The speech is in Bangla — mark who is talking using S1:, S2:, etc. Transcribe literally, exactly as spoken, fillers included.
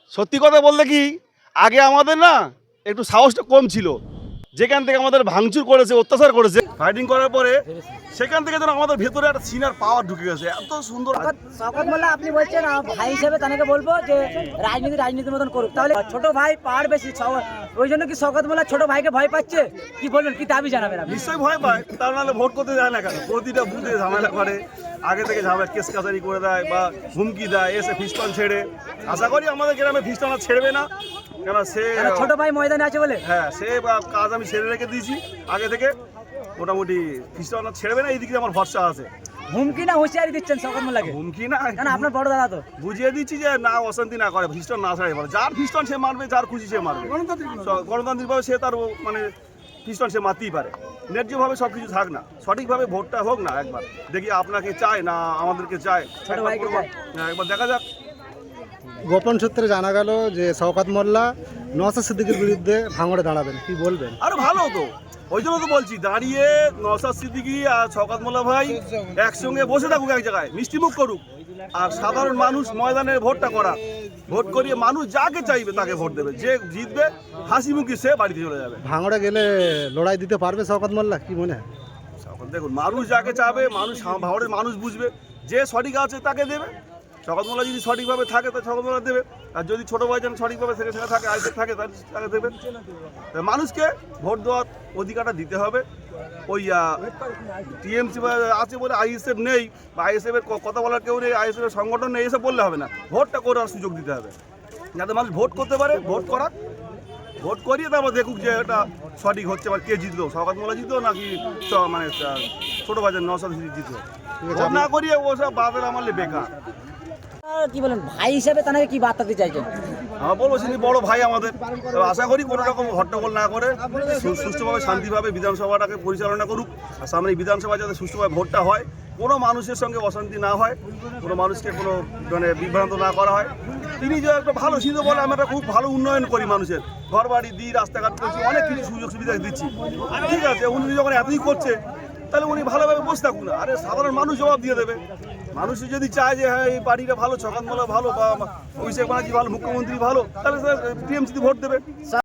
S1: সত্যি কথা বলতে কি, আগে আমাদের না একটু সাহসটা কম ছিল। যেখান থেকে আমাদের ভাঙচুর করেছে, অত্যাচার করেছে, ফাইটিং করার পরে সেখান থেকে যেন আমাদের ভেতরে একটা সিনার পাওয়ার ঢুকে গেছে। এত সুন্দর।
S2: শওকত মোল্লা আপনি বলছেন আহ, ভাই হিসেবে তাকে বলবো যে রাজনীতি রাজনীতির মতন করুক, তাহলে ছোট ভাই পাওয়ার বেশি ছ- ওই জন্য কি শওকত মোল্লা ছোট ভাইকে ভয় পাচ্ছে? কি বলবেন, কি দাবি জানাবেন আপনি?
S1: নিশ্চয়ই ভয় পায়, তার নাহলে ভোট করতে যায় না কেন? প্রতিটা বুথে ঝামেলা করে, আগে থেকে ঝামেলা কেস কাছারি করে দেয় বা হুমকি দেয়, এসে ফিস্টন ছেড়ে। আশা করি আমাদের গ্রামে ফিস্টন আর ছেড়বে না, কেন সে
S2: কেন ছোট ভাই ময়দানে আছে বলে?
S1: হ্যাঁ, সে বা কাজ আমি ছেড়ে রেখে দিয়েছি আগে থেকে। মোটামুটি ফিস্টন আর ছেড়বে না, এই দিকে আমার ভরসা আছে।
S2: হুমকি না হুঁশিয়ারি দিচ্ছেন শওকত মোল্লাকে?
S1: হুমকি না,
S2: কেন আপনার বড় দাদা তো।
S1: বুঝিয়ে দিচ্ছি যে না, অশান্তি না করে, ফিস্টন না ছাড়ে বলে। যার ফিস্টন সে মারবে, যার খুশি সে মারবে। গণতান্ত্রিকভাবে সে তার মানে ফিস্টন সে মারতেই পারে। ন্যায্যভাবে সব কিছু থাক না, সঠিকভাবে ভোটটা হোক না। একবার দেখি আপনাকে চায় না আমাদেরকে চায়,
S2: ছোট ভাইকে চায়।
S1: হ্যাঁ, একবার দেখা যাক।
S3: গোপন সূত্রে জানা গেল যে শওকত মোল্লা নওশাদ সিদ্দিকীর বিরুদ্ধে ভাঙড়ে দাঁড়াবেন, কি বলবেন?
S1: আরে ভালো তো, ওই জন্য তো বলছি, দাঁড়িয়ে নওশাদ সিদ্দিকী আর শওকত মোল্লা ভাই একসঙ্গে বসে থাকুক এক জায়গায়, মিষ্টিমুখ করুক, আর সাধারণ মানুষ ময়দানে ভোটটা করা। ভোট করিয়ে মানুষ যাকে চাইবে তাকে ভোট দেবে, যে জিতবে হাসি মুখে সে বাড়িতে চলে যাবে।
S3: ভাঙড়ে গেলে লড়াই দিতে পারবে শওকত মোল্লা, কি মনে হয়?
S1: এখন দেখুন, মানুষ যাকে চাবে, মানুষ ভাঙড়ের মানুষ বুঝবে, যে সঠিক আছে তাকে দেবে। শওকত মোল্লা যদি সঠিকভাবে থাকে তো শওকত মোল্লা দেবে, আর যদি ছোটো ভাই যেন সঠিকভাবে থেকে সেখানে থাকে, আইসে থাকে, তাকে দেবে। তা মানুষকে ভোট দেওয়ার অধিকারটা দিতে হবে। ওই টিএমসি আছে বলে আইএসএফ নেই, বা আইএসএফের কথা বলার কেউ নেই, আইএসএফের সংগঠন নেই, এসব বললে হবে না। ভোটটা করার সুযোগ দিতে হবে, যাতে মানুষ ভোট করতে পারে। ভোট করাক, ভোট করিয়ে তারপর দেখুক যে এটা সঠিক হচ্ছে, বা কে জিতলো, শওকত মোল্লা জিতলো নাকি চ- মানে আহ, ছোটো ভাইজান নওশাদ সিদ্দিকী জিতলো। ভোট না করিয়ে ওসব বাদের আমলে বেকার।
S2: আর কি বলেন, ভাই হিসেবে তাকে কি বার্তা দিতে চাইছেন?
S1: আমার বলবো, তিনি বড় ভাই আমাদের। তো আশা করি কোনো রকম হট্টগোল না করে সু- সুষ্ঠুভাবে শান্তিভাবে বিধানসভাটাকে পরিচালনা করুক। আর সামনে এই বিধানসভা যাতে সুষ্ঠুভাবে ভোটটা হয়, কোনো মানুষের সঙ্গে অশান্তি না হয়, কোনো মানুষকে কোনো মানে বিভ্রান্ত না করা হয়। তিনি যে একটা ভালো সিদ্ধ বলে, আমরা একটা খুব ভালো উন্নয়ন করি, মানুষের ঘর বাড়ি দিই, রাস্তাঘাট করছি, অনেক কিছু সুযোগ সুবিধা দিচ্ছি। ঠিক আছে, উনি যখন এতই করছে, তাহলে উনি ভালোভাবে বসে থাকুন না। আরে সাধারণ মানুষ জবাব দিয়ে দেবে। মানুষ যদি চায় যে হ্যাঁ এই পার্টিটা ভালো, শওকত মোল্লা ভালো, বা অভিষেক ব্যানার্জি ভালো, মুখ্যমন্ত্রী ভালো, তাহলে স্যার টিএমসিতে ভোট দেবে।